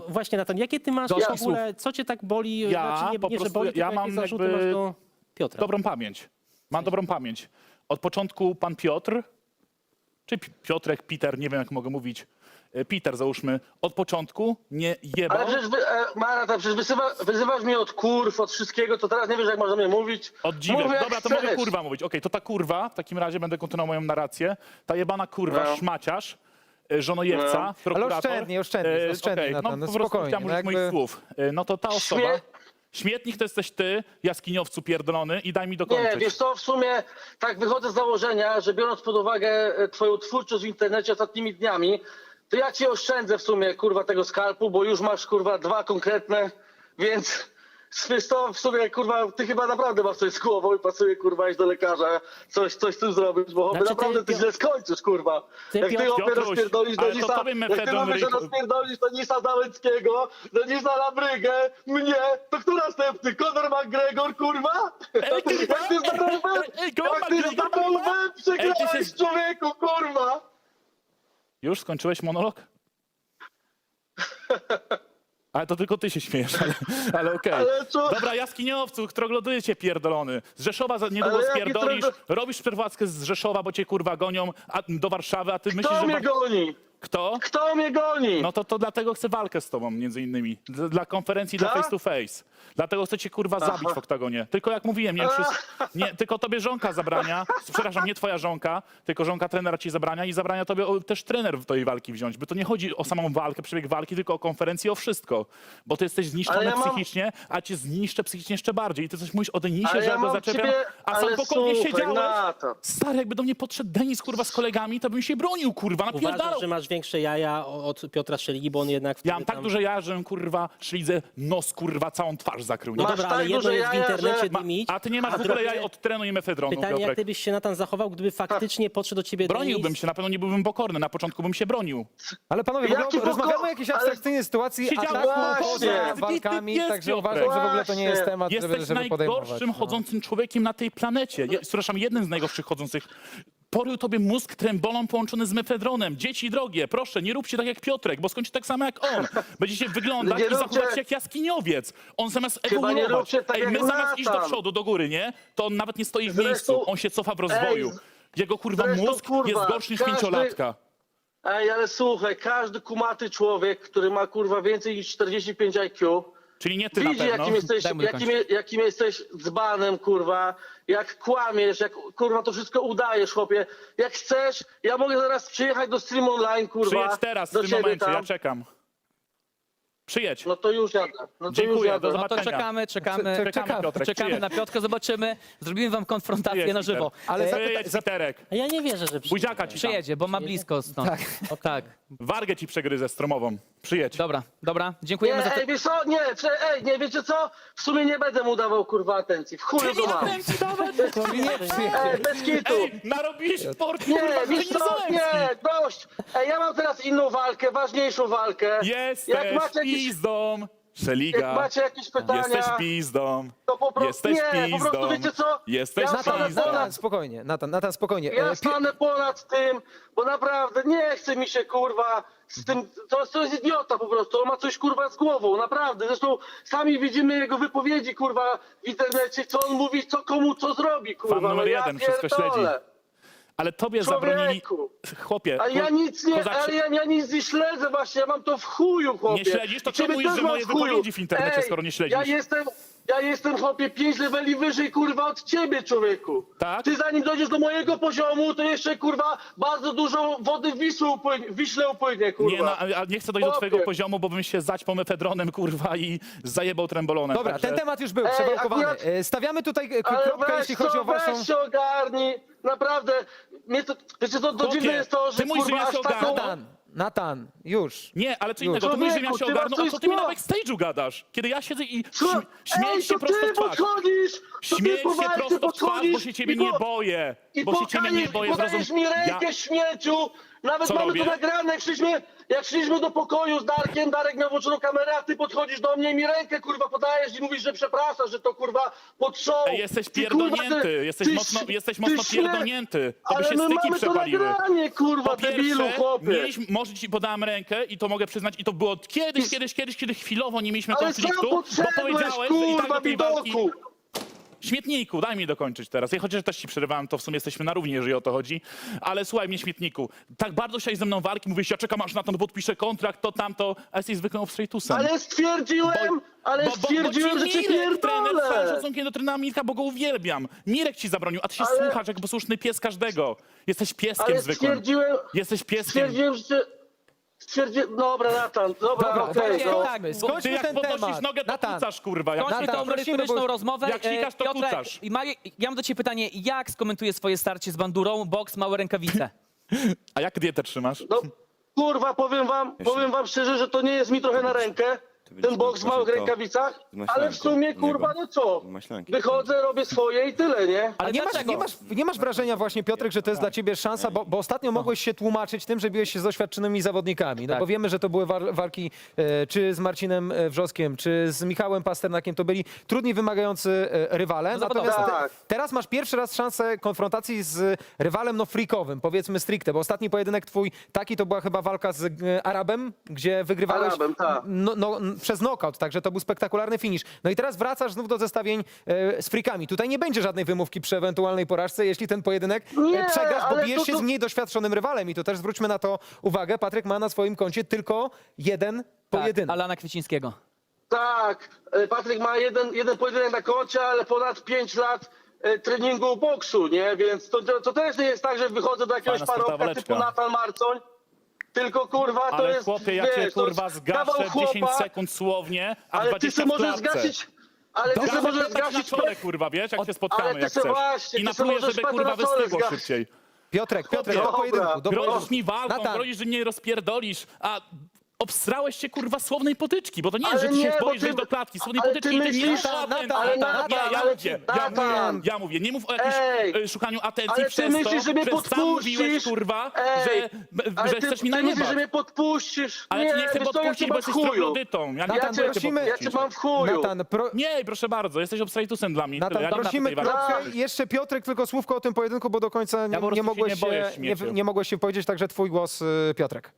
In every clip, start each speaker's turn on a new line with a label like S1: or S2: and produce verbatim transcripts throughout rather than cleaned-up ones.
S1: właśnie, Natan, jakie ty masz
S2: Dość
S1: w ogóle, co cię tak boli?
S2: Ja
S1: znaczy, nie,
S2: po
S1: nie, że
S2: prostu-
S1: boli,
S2: ja
S1: tylko
S2: mam
S1: jakie zarzuty
S2: jakby
S1: masz do Piotra?
S2: Dobrą pamięć. Mam dobrą pamięć. Od początku pan Piotr, czy Pi- Piotrek, Peter, nie wiem jak mogę mówić, e, Peter załóżmy, od początku nie jebał.
S3: Ale przecież, wy, e, Marata, przecież wyzywa, wyzywasz mnie od kurw, od wszystkiego, to teraz nie wiesz, jak można mnie mówić.
S2: Od dziwek.
S3: Mów, jak
S2: Dobra, to
S3: chcesz.
S2: mogę kurwa mówić. Okej, to ta kurwa, w takim razie będę kontynuował moją narrację. Ta jebana kurwa,
S3: No.
S2: szmaciarz, e, żonojewca,
S3: No.
S2: prokurator.
S4: Ale oszczędnie, oszczędnie,
S2: e,
S4: oszczędnie,
S2: okej,
S4: Natan,
S2: no,
S4: no
S2: po prostu
S4: spokojnie,
S2: chciałem
S4: no
S2: użyć moich
S4: jakby-
S2: słów. E, No to ta osoba...
S3: Śmie-
S2: Śmietnik to jesteś ty, jaskiniowcu pierdolony i daj mi dokończyć.
S3: Nie, wiesz co, w sumie tak wychodzę z założenia, że biorąc pod uwagę e, twoją twórczość w internecie ostatnimi dniami, to ja ci oszczędzę w sumie, kurwa, tego skalpu, bo już masz, kurwa, dwa konkretne, więc wiesz to w sumie, kurwa, ty chyba naprawdę masz coś z głową i pasuje, kurwa, iść do lekarza, coś, coś z tym zrobić, bo
S1: Znaczy, ty,
S3: naprawdę ty
S1: Pio-
S3: źle skończysz, kurwa.
S1: Ty,
S3: Jak ty
S1: Piotr-
S3: opie
S2: Piotruś,
S3: rozpierdolisz do
S2: ale to
S3: Nisa,
S2: tobie
S3: jak ty
S2: mefedron
S3: mówisz, że
S2: ryk-
S3: rozpierdolisz do Nisa Załęckiego, do Nisa Labrygę, mnie, to kto następny? Conor McGregor, kurwa?
S2: Ej, kurwa!
S3: Jak ty z tobą
S2: Ej, ej, Conor
S3: jak ty z
S2: McGregor,
S3: tobą
S2: kurwa! Ej, ty
S3: przegrałeś,
S2: się-
S3: człowieku, kurwa!
S2: Już skończyłeś monolog? Ale to tylko ty się śmiejesz, ale, ale okej.
S3: Ale co-
S2: Dobra, jaskiniowcu, troglodycie pierdolony. Z Rzeszowa za niedługo
S3: Ale jaki
S2: spierdolisz,
S3: troglo-
S2: robisz przeprowadzkę z Rzeszowa, bo cię kurwa gonią a, do Warszawy, a ty myślisz,
S3: Kto
S2: że...
S3: mnie
S2: Bar-
S3: goni?
S2: Kto?
S3: Kto mnie goni?
S2: No to, to dlatego chcę walkę z tobą, między innymi. Dla, dla konferencji, dla
S3: Tak?
S2: face to face. Dlatego chcę cię kurwa zabić
S3: Aha.
S2: w oktagonie. Tylko jak mówiłem, nie, wszyscy, nie tylko tobie żonka zabrania, przepraszam, nie twoja żonka, tylko żonka trenera ci zabrania i zabrania tobie o, też trener w tej walki wziąć. Bo to nie chodzi o samą walkę, przebieg walki, tylko o konferencję, o wszystko. Bo ty jesteś zniszczony
S3: Ale ja mam-
S2: psychicznie, a cię zniszczę psychicznie jeszcze bardziej. I ty coś mówisz o Denisie,
S3: Ale
S2: że
S3: ja
S2: ja go
S3: mam
S2: zaczepiam,
S3: ciebie-
S2: a sam
S3: ale
S2: spokojnie
S3: słuchaj,
S2: siedziałeś.
S3: Natan.
S2: Stary, jakby do mnie podszedł Denis kurwa z kolegami, to bym się bronił kurwa, napierdalał.
S1: Uważasz, że masz większe jaja od Piotra Szeligi, bo on jednak wtedy
S2: Ja mam tak
S1: tam...
S2: duże ja, że kurwa szlidze nos kurwa całą twarz zakrył. Nie?
S1: No
S3: Masz
S1: dobra,
S3: tak
S1: ale jedno
S3: duże
S1: jest w
S3: jaja,
S1: internecie
S3: że-
S1: dymić,
S2: A ty nie masz w ogóle
S1: drugie-
S2: jaj od trenu i mefedronu,
S1: Pytanie, jak
S2: Piotrek.
S1: ty byś się, Natan, zachował, gdyby faktycznie podszedł do ciebie
S2: Broniłbym
S1: Denis?
S2: się, na pewno nie byłbym pokorny, na początku bym się bronił.
S4: Ale panowie, w
S3: Jaki
S4: ogóle
S3: poko-
S4: rozmawiamy o jakiejś
S3: ale-
S4: abstrakcyjnej sytuacji,
S2: Siedziałem
S4: ataku
S3: właśnie.
S4: poza
S2: Ty
S4: walkami,
S2: pies,
S4: także
S2: Piotrek.
S4: uważam, że w ogóle to nie jest
S3: Właśnie.
S4: temat, żeby,
S2: Jesteś
S4: żeby podejmować.
S2: najgorszym
S4: no.
S2: chodzącym człowiekiem na tej planecie. Je, przepraszam, jednym z najgorszych chodzących. Porył tobie mózg trembolą połączony z mefedronem. Dzieci drogie, proszę, nie róbcie tak jak Piotrek, bo skończy tak samo jak on. Będziecie wyglądać
S3: Nie
S2: i
S3: róbcie-
S2: zachowywać się jak jaskiniowiec. On zamiast
S3: Chyba nie
S2: ewoluować,
S3: róbcie tak
S2: ej,
S3: jak
S2: my zamiast iść do
S3: Natan.
S2: przodu, do góry, nie? To on nawet nie stoi w
S3: Zresztą-
S2: miejscu, on się cofa w rozwoju.
S3: Ej,
S2: Jego kurwa
S3: zresztą,
S2: mózg
S3: kurwa,
S2: jest gorszy niż
S3: każdy-
S2: pięciolatka.
S3: Ej, ale słuchaj, każdy kumaty człowiek, który ma, kurwa, więcej niż czterdzieści pięć I Q,
S2: Czyli nie ty na
S3: widzi,
S2: pewno.
S3: jakim jesteś,
S4: Daj mu
S3: jakim,
S4: dokończyć.
S3: jakim jesteś dzbanem, kurwa, jak kłamiesz, jak, kurwa, to wszystko udajesz, chłopie. Jak chcesz, ja mogę zaraz przyjechać do Stream Online, kurwa,
S2: Przyjedź teraz, w
S3: do
S2: tym
S3: ciebie
S2: momencie,
S3: tam.
S2: ja czekam. Przyjedź.
S3: No to już jadę. No to
S2: Dziękuję,
S3: już
S2: do
S3: jadę.
S2: zobaczenia.
S5: No to czekamy, czekamy,
S4: Czekamy,
S2: Czekamy, Piotrek,
S5: czekamy
S2: przyjedź.
S5: na Piotrka, zobaczymy. Zrobimy wam konfrontację
S2: Przyjedź,
S5: na żywo.
S2: Peter.
S4: Ale
S5: E,
S4: za-
S2: Przyjedź, Piterek.
S1: A ja nie wierzę, że przyjdzie.
S2: Buziaka ci tam.
S5: Przyjedzie, bo ma blisko stąd. Tak. tak.
S2: Wargę ci przegryzę stromową. Przyjedź.
S5: Dobra, dobra.
S3: Nie,
S5: Dziękujemy za to.
S3: ej, wiesz co? Nie, cze- ej, nie, wiecie co? W sumie nie będę mu dawał, kurwa, atencji. W chuju go mam. Ej, bez kitu.
S2: Ej, narobiłeś sport,
S3: Nie,
S2: kurwa,
S3: wiesz
S2: że nie
S3: co?
S2: Zalewski.
S3: Nie, dość. Ej, ja mam teraz inną walkę, ważniejszą walkę.
S2: Jesteś
S3: Jak macie jakieś,
S2: pizdą.
S3: jak
S2: Szeliga.
S3: macie jakieś pytania,
S2: Jesteś pizdą.
S3: to po prostu,
S2: Jesteś
S3: nie, po prostu
S2: pizdą.
S3: wiecie co?
S2: Jesteś
S3: ja
S2: pizdą.
S3: stanę
S4: Natan, Natan,
S3: ponad,
S4: spokojnie, Natan, Natan, spokojnie.
S3: ja
S4: E, Pi-
S3: stanę ponad tym, bo naprawdę nie chce mi się, kurwa, z tym, to, to jest idiota po prostu, on ma coś, kurwa, z głową, naprawdę. Zresztą sami widzimy jego wypowiedzi, kurwa, w internecie, co on mówi, co komu, co zrobi, kurwa.
S2: Fan numer
S3: no ja
S2: jeden wszystko
S3: pierdolę.
S2: śledzi. Ale tobie zabronili...
S3: Człowieku.
S2: Chłopie,
S3: A ja
S2: ko-
S3: nic nie,
S2: kozaczy-
S3: ale ja, ja nic nie śledzę właśnie, ja mam to w chuju, chłopie.
S2: Nie śledzisz? To
S3: I ciebie
S2: czemu mówisz,
S3: też
S2: że
S3: mam
S2: moje
S3: w chuju.
S2: wypowiedzi w internecie,
S3: Ej,
S2: skoro nie śledzisz?
S3: Ja jestem, ja jestem, chłopie, pięć leveli wyżej, kurwa, od ciebie, człowieku.
S2: Tak?
S3: Ty zanim dojdziesz do mojego poziomu, to jeszcze, kurwa, bardzo dużo wody w Wisłę upłynie, w Wiśle upłynie, kurwa.
S2: Nie, no, a a nie chcę dojść do
S3: Chłopie.
S2: twojego poziomu, bo bym się zaćpał mefedronem, kurwa, i zajebał trembolonem.
S4: Dobra,
S2: Także...
S4: ten temat już był
S3: Ej,
S4: przewałkowany.
S3: akurat-
S4: E, Stawiamy tutaj e,
S3: Ale
S4: kropkę,
S3: weź
S4: jeśli
S3: co,
S4: chodzi o waszą...
S3: weź się ogarnij, naprawdę. Mnie to, wiecie co, to
S2: Chłopie,
S3: dziwne jest to, że,
S2: ty mówisz, że
S3: kurwa,
S2: ja
S3: aż
S2: się
S3: taką...
S2: ogarnę.
S4: Natan, Natan, już.
S2: Nie, ale co
S4: Już.
S2: innego, ty mówisz, że ja
S3: Człowieku,
S2: się
S3: ty masz
S2: ogarnął, a
S3: coś
S2: co ty mi na
S3: zło-
S2: backstage'u gadasz? Kiedy ja siedzę i
S3: Co?
S2: śm śmiejesz
S3: Ej,
S2: się
S3: to
S2: prosto
S3: ty
S2: w twarz.
S3: podchodzisz, to ty
S2: Śmiejesz
S3: po
S2: się
S3: walce
S2: prosto w twarz, bo
S3: podchodzisz
S2: się ciebie
S3: i
S2: nie
S3: po-
S2: boję.
S3: I
S2: Bo się ciebie nie boję, zrozum...
S3: podajesz mi rękę,
S2: Ja...
S3: śmieciu! Nawet
S2: Co
S3: mamy
S2: robię?
S3: to nagrane, jak żeś mnie, Jak szliśmy do pokoju z Darkiem, Darek miał włączoną kamerę, a ty podchodzisz do mnie i mi rękę, kurwa, podajesz i mówisz, że przepraszasz, że to, kurwa, pod show.
S2: Ej, jesteś
S3: Ty, kurwa,
S2: pierdolnięty,
S3: ty-
S2: jesteś
S3: ty
S2: mocno,
S3: ś-
S2: jesteś
S3: ty
S2: mocno
S3: śmie-
S2: pierdolnięty. To by
S3: Ale
S2: się
S3: my
S2: styki
S3: mamy to
S2: przepaliły.
S3: nagranie, kurwa,
S2: Po
S3: debilu,
S2: pierwsze,
S3: chłopie.
S2: mieliśmy, może ci podałem rękę i to mogę przyznać, i to było kiedyś,
S3: I-
S2: kiedyś, kiedyś, kiedy chwilowo nie mieliśmy
S3: Ale
S2: konfliktu,
S3: sam
S2: bo
S3: podszedłeś,
S2: powiedziałeś, że i tak
S3: kurwa,
S2: do tej walki...
S3: widoku.
S2: Śmietniku, daj mi dokończyć teraz. Ja chociaż też ci przerywałem, to w sumie jesteśmy na równi, jeżeli o to chodzi. Ale słuchaj mnie, śmietniku, tak bardzo chciałeś ze mną walki, mówisz, ja czekam aż na to, podpiszę kontrakt, to tamto, a jesteś zwykłym obstrejtusem.
S3: Ale stwierdziłem, ale stwierdziłem, że cię
S2: trener, z całym
S3: pierdolę.
S2: szacunkiem do trenera Mirka, bo go uwielbiam. Mirek ci zabronił, a ty się
S3: Ale-
S2: słuchasz jak posłuszny pies każdego. Jesteś pieskiem
S3: Ale
S2: zwykłym.
S3: stwierdziłem,
S2: Jesteś pieskiem.
S3: stwierdziłem, że cię... Stwierdziłem, dobra, Natan, dobra,
S4: Dobra,
S3: okej,
S4: okay,
S3: no.
S5: tak,
S2: Ty
S4: skończmy
S2: jak
S4: ten
S2: podnosisz
S4: temat.
S2: nogę, to
S4: Natan,
S2: kucasz, kurwa. Jak
S5: Kończmy
S4: Natan,
S5: tą
S4: prosimy,
S5: merytoryczną
S4: bo-
S5: rozmowę.
S2: jak sikasz, to
S5: E, Piotrek,
S2: kucasz.
S5: i ma, ja mam do ciebie pytanie, jak skomentuje swoje starcie z bandurą, boks, małe rękawice?
S2: A jak dietę trzymasz?
S3: No, kurwa, powiem wam, powiem wam szczerze, że to nie jest mi trochę na rękę, ten boks w małych rękawicach, ale w sumie, kurwa, no co,
S6: Maślanki.
S3: wychodzę, robię swoje i tyle, nie?
S4: A nie masz,
S5: dlaczego?
S4: nie, masz, nie masz wrażenia właśnie, Piotrek, że to jest dla ciebie szansa, bo, bo ostatnio mogłeś się tłumaczyć tym, że biłeś się z doświadczonymi zawodnikami. No
S5: Tak.
S4: bo wiemy, że to były war, walki e, czy z Marcinem e, Wrzoskiem, czy z Michałem Pasternakiem. To byli trudni, wymagający e, rywale.
S5: No zawodowo.
S4: Natomiast
S3: Tak.
S4: te, teraz masz pierwszy raz szansę konfrontacji z rywalem no freakowym, powiedzmy stricte, bo ostatni pojedynek twój taki to była chyba walka z e, Arabem, gdzie wygrywałeś
S3: Arabem, tak.
S4: no, no, n- przez knockout, także to był spektakularny finish. No i teraz wracasz znów do zestawień e, z frikami. Tutaj nie będzie żadnej wymówki przy ewentualnej porażce, jeśli ten pojedynek e,
S3: Nie,
S4: przegrasz, bo
S3: ale
S4: bijesz
S3: to-
S4: się
S3: to-
S4: z mniej doświadczonym rywalem i to też zwróćmy na to uwagę. Patryk ma na swoim koncie tylko jeden
S5: Tak,
S4: pojedynek.
S5: Alana Kwiecińskiego.
S3: Tak, e, Patryk ma jeden, jeden pojedynek na koncie, ale ponad pięć lat e, treningu boksu, nie? Więc to, to, to też nie jest tak, że wychodzę do jakiegoś
S2: Fajna sportowa
S3: parobka
S2: waleczka.
S3: typu Natan Marcoń, tylko kurwa to
S2: Ale
S3: jest,
S2: chłopie, ja
S3: wiesz,
S2: cię
S3: to jest
S2: kurwa
S3: kawał
S2: zgaszę w dziesięć
S3: chłopa,
S2: sekund słownie, a
S3: ale ty
S2: dwadzieścia
S3: sobie
S2: w
S3: możesz
S2: klatce.
S3: zgasić, ale ty sobie
S2: Gaszę
S3: możesz
S2: tak na
S3: zgasić...
S2: czole, kurwa, wiesz, jak się spotkamy,
S3: ale ty
S2: jak
S3: se
S2: chcesz.
S3: właśnie,
S2: I
S3: ty se
S2: napluję,
S3: możesz
S2: żeby
S3: patę
S2: kurwa
S3: na czole
S2: wystygło
S3: zgasić.
S2: szybciej.
S4: Piotrek, Piotrek,
S3: Dobra.
S4: do pojedynku. Do
S2: Grozisz
S4: pojedynku.
S2: mi walką,
S4: Natan.
S2: grozisz, że nie rozpierdolisz, a obsrałeś się kurwa słownej potyczki, bo to nie jest,
S3: Ale
S2: że ty się
S3: nie, bo
S2: boisz
S3: ty-
S2: wejść do klatki. Słownej
S3: ale ty
S2: potyczki ty nie
S3: myślisz-
S2: masz
S4: Natan,
S2: atencji.
S4: Natan,
S3: ale
S2: Nie,
S3: Natan,
S2: ja
S3: ale
S2: mówię,
S3: ty-
S2: ja mówię,
S3: Natan.
S2: ja mówię, nie mów o jakimś
S3: Ej,
S2: e, szukaniu atencji
S3: ale ty
S2: przez to,
S3: myślisz, że mnie
S2: że sam
S3: podpuścisz?
S2: mówiłeś, kurwa,
S3: Ej,
S2: że,
S3: ale
S2: że
S3: ty,
S2: chcesz mi
S3: ty myślisz,
S2: najebać.
S3: że mnie podpuścisz?
S2: Ale
S3: nie,
S2: ty nie chcę
S3: wiesz co, ja cię
S2: podpuścić, bo
S3: mam w
S2: jesteś
S3: chuju.
S2: troglodytą. Ja nie
S4: Natan,
S3: Ja
S2: chcę
S3: cię,
S2: cię
S4: prosimy-
S3: ja
S2: podpuścić.
S3: cię mam w chuju.
S4: Natan, pro...
S2: Nie, proszę bardzo, jesteś obstrejtusem dla mnie.
S4: Natan,
S2: Tyle. Ja nie mam
S4: prosimy
S2: tutaj walki.
S4: krótko. Jeszcze Piotrek, tylko słówko o tym pojedynku, bo do końca nie,
S2: po prostu
S4: nie,
S2: się
S4: mogłeś
S2: nie
S4: się,
S2: boję,
S4: nie,
S2: śmieciu.
S4: nie mogłeś się powiedzieć, także twój głos, y, Piotrek.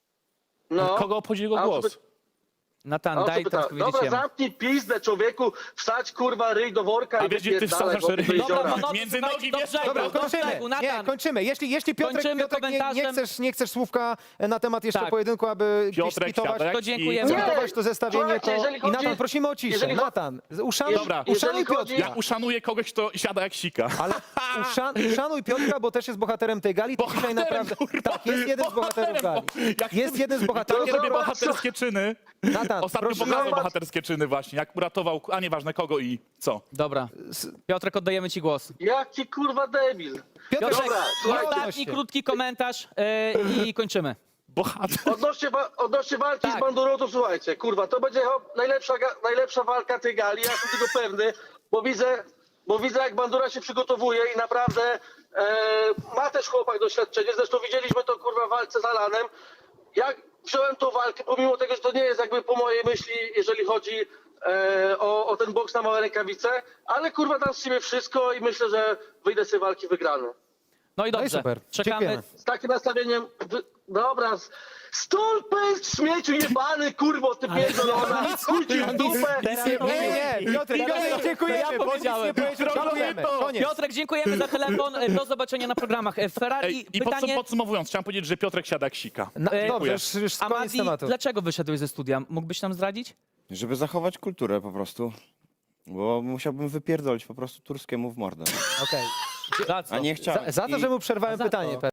S3: No.
S2: Kogo obchodzi jego
S3: A
S2: głos?
S3: co by-
S5: Natan,
S3: a co
S5: daj
S3: pyta-
S5: teraz powiedzieć
S3: Dobra,
S5: jemu.
S3: zamknij pizdę, człowieku, wsadź kurwa ryj do worka
S2: A
S3: i
S2: wiesz, gdzie ty
S3: wypierdalaj,
S2: wsadzasz
S3: bo ty
S2: ryj?
S3: jeziora.
S5: Dobra, panowie,
S2: Między
S5: słuchajcie,
S2: nogi,
S5: do
S2: wiesz,
S5: brzegu,
S2: dobra,
S5: do
S4: Kończymy.
S5: brzegu,
S4: Nie,
S5: Natan.
S4: kończymy. Jeśli, jeśli Piotrek,
S5: Kończymy
S4: Piotrek nie, nie,
S5: komentarzem.
S4: chcesz, nie chcesz słówka na temat jeszcze
S5: Tak.
S4: pojedynku, aby gdzieś
S2: Piotrek
S4: skwitować,
S2: siada jak
S5: To dziękujemy.
S2: świt.
S3: Nie,
S4: skwitować to zestawienie,
S3: słuchajcie,
S4: to...
S3: jeżeli
S4: I
S3: chodzi-
S4: Natan, prosimy o ciszę.
S3: jeżeli cho-
S4: Natan, uszanuj,
S2: Dobra.
S4: uszanuj
S3: Jeżeli chodzi-
S4: Piotra.
S2: Ja uszanuję kogoś, kto siada jak sika.
S4: Ale uszan, uszanuj Piotra, bo też jest bohaterem tej gali. To dzisiaj
S2: Bohaterem,
S4: naprawdę...
S2: kurwa,
S4: Tak, jest jeden z bohaterów gali.
S2: bohaterem, bo- jak
S4: Jest
S2: ty-
S4: jeden z
S2: To
S4: bohaterów.
S2: robię
S3: Zobacz,
S2: bohaterskie czyny.
S4: Natan,
S2: Ostatnio
S4: proszę,
S2: pokazał
S3: zobacz.
S2: bohaterskie czyny właśnie, jak uratował, a nieważne kogo i co.
S5: Dobra. Piotrek, oddajemy ci głos.
S3: Jaki kurwa debil.
S4: Piotrek,
S5: Piotrek,
S3: Dobra, słuchajcie.
S5: ostatni krótki komentarz yy, i kończymy.
S2: Bohater.
S3: Odnośnie, wa- odnośnie walki
S5: Tak.
S3: z Bandurą, to słuchajcie, kurwa, to będzie hop, najlepsza, ga- najlepsza walka tej gali, ja jestem tego pewny, bo widzę, bo widzę jak Bandura się przygotowuje i naprawdę e, ma też chłopak doświadczenie, zresztą widzieliśmy to kurwa w walce z Alanem. Jak wziąłem tą walkę, pomimo tego, że to nie jest jakby po mojej myśli, jeżeli chodzi e, o, o ten boks na małe rękawice, ale kurwa dam z siebie wszystko i myślę, że wyjdę z tej walki wygrany.
S5: No i
S4: No i
S5: dobrze.
S4: super.
S5: Czekamy.
S4: Dziękujemy.
S3: Z takim nastawieniem, wy... dobra, z- stolpę śmieciu jebany, kurwo, ty pierdolona, chuj ci w dupę.
S4: Nie, nie, Piotrek, Piotrek, dziękujemy,
S5: To ja
S4: bo nic
S5: powiedziałem.
S4: nie powiedział. Dziękujemy. Koniec.
S5: Piotrek, dziękujemy za telefon. Do zobaczenia na programach. Ferrari,
S2: Ej, I
S5: pytanie...
S2: podsum- podsumowując, chciałem powiedzieć, że Piotrek siada jak sika.
S4: Na,
S5: E,
S4: dobrze, już, już koniec
S5: Amadi,
S4: tematu.
S5: dlaczego wyszedłeś ze studia? Mógłbyś nam zdradzić?
S6: Żeby zachować kulturę po prostu. Bo musiałbym wypierdolić po prostu Turskiemu w mordę.
S4: Okej.
S5: Za co?
S6: A nie chciałem.
S4: Za, za to,
S6: I-
S4: że mu przerwałem
S5: Za
S4: pytanie.
S5: to.